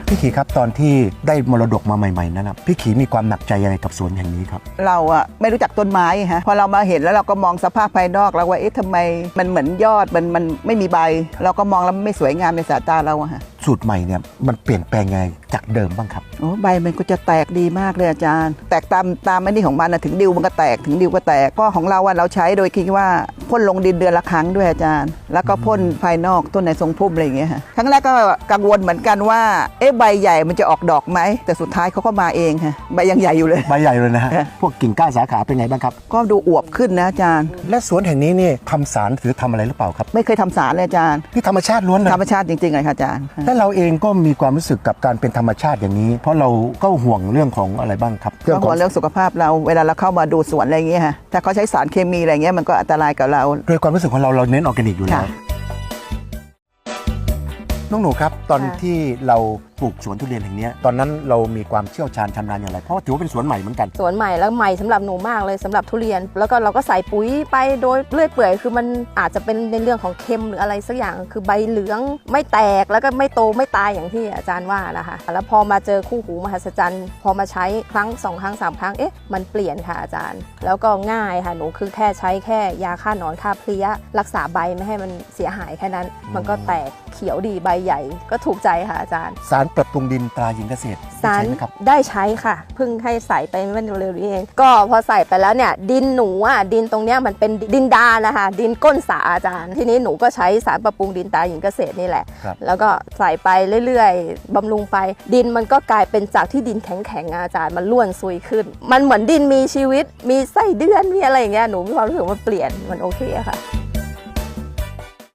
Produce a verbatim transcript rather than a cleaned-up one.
พี่ขีครับตอนที่ได้มรดกมาใหม่ๆนั้นนะพี่ขีมีความหนักใจยังไงกับสวนแห่งนี้ครับเราอะไม่รู้จักต้นไม้ฮะพอเรามาเห็นแล้วเราก็มองสภาพภายนอกแล้วว่าเอ๊ะทำไมมันเหมือนยอดมันมันไม่มีใบเราก็มองแล้วไม่สวยงามในสายตาเราอะฮะสูตรใหม่เนี่ยมันเปลี่ยนแปลงไงจากเดิมบ้างครับโอ้ใบมันก็จะแตกดีมากเลยอาจารย์แตกตามตามไอ้นี่ของมันนะถึงดิวมันก็แตกถึงดิวก็แตกก็ของเราอะเราใช้โดยคิดว่าพ่นลงดินเดือนละครั้งด้วยอาจารย์แล้วก็พ่นภายนอกต้นในทรงพุ่มอะไรอย่างเงี้ยฮะครั้งแรกก็กังวลเหมือนกันว่าเอ๊ะใบใหญ่มันจะออกดอกไหมแต่สุดท้ายเขาก็มาเองฮะใบยังใหญ่อยู่เลยใบใหญ่เลยนะฮะพวกกิ่งก้านสาขาเป็นไงบ้างครับก็ดูอวบขึ้นนะอาจารย์และสวนแห่งนี้นี่ทำสารหรือทำอะไรหรือเปล่าครับไม่เคยทำสารเลยอาจารย์ที่ธรรมชาติล้วนเลยธรรมชาติจริงๆเลยค่ะอาจารย์และเราเองก็มีความรู้สึกกับการเป็นธรรมชาติอย่างนี้เพราะเราก็ห่วงเรื่องของอะไรบ้างครับเรื่องของเรื่องสุขภาพเราเวลาเราเข้ามาดูสวนอะไรอย่างเงี้ยฮะถ้าเขาใช้สารเคมีอะไรเงี้ยมันก็อันตรายกับเราโดยความรู้สึกของเราเราเน้นออร์แกนิกอยู่แล้วน้องหนูครับตอนที่เราปลูกสวนทุเรียนแห่งนี้ตอนนั้นเรามีความเชี่ยวชาญชำนาญอย่างไรเพราะถือว่าเป็นสวนใหม่เหมือนกันสวนใหม่แล้วใหม่สำหรับหนูมากเลยสำหรับทุเรียนแล้วก็เราก็ใส่ปุ๋ยไปโดยเรื่อยเปื่อยคือมันอาจจะเป็นในเรื่องของเค็มหรืออะไรสักอย่างคือใบเหลืองไม่แตกแล้วก็ไม่โตไม่ตายอย่างที่อาจารย์ว่านะคะแล้วพอมาเจอคู่หูมหัศจรรย์พอมาใช้ครั้งสองครั้งสามครั้งเอ๊ะมันเปลี่ยนค่ะอาจารย์แล้วก็ง่ายค่ะหนูคือแค่ใช้แค่ยาฆ่าหนอนฆ่าเพลี้ยรักษาใบไม่ให้มันเสียหายแค่นั้นมันก็แตกเขียวดีใบใหญ่ก็ถูกใจค่ะอาจารย์สารปรับปรุงดินตราหญิงเกษตรสารได้ใช้ค่ะเพิ่งให้ใส่ไปเมื่อเร็วๆนี้เองก็พอใส่ไปแล้วเนี่ยดินหนูอ่ะดินตรงเนี้ยมันเป็นดินดานนะคะดินก้นสาอาจารย์ทีนี้หนูก็ใช้สารปรับปรุงดินตราหญิงเกษตรนี่แหละแล้วก็ใส่ไปเรื่อยๆบำรุงไปดินมันก็กลายเป็นจากที่ดินแข็งๆอาจารย์มันร่วนซุยขึ้นมันเหมือนดินมีชีวิตมีไส้เดือนมีอะไรอย่างเงี้ยหนูมีความรู้สึกว่าเปลี่ยนมันโอเคค่ะ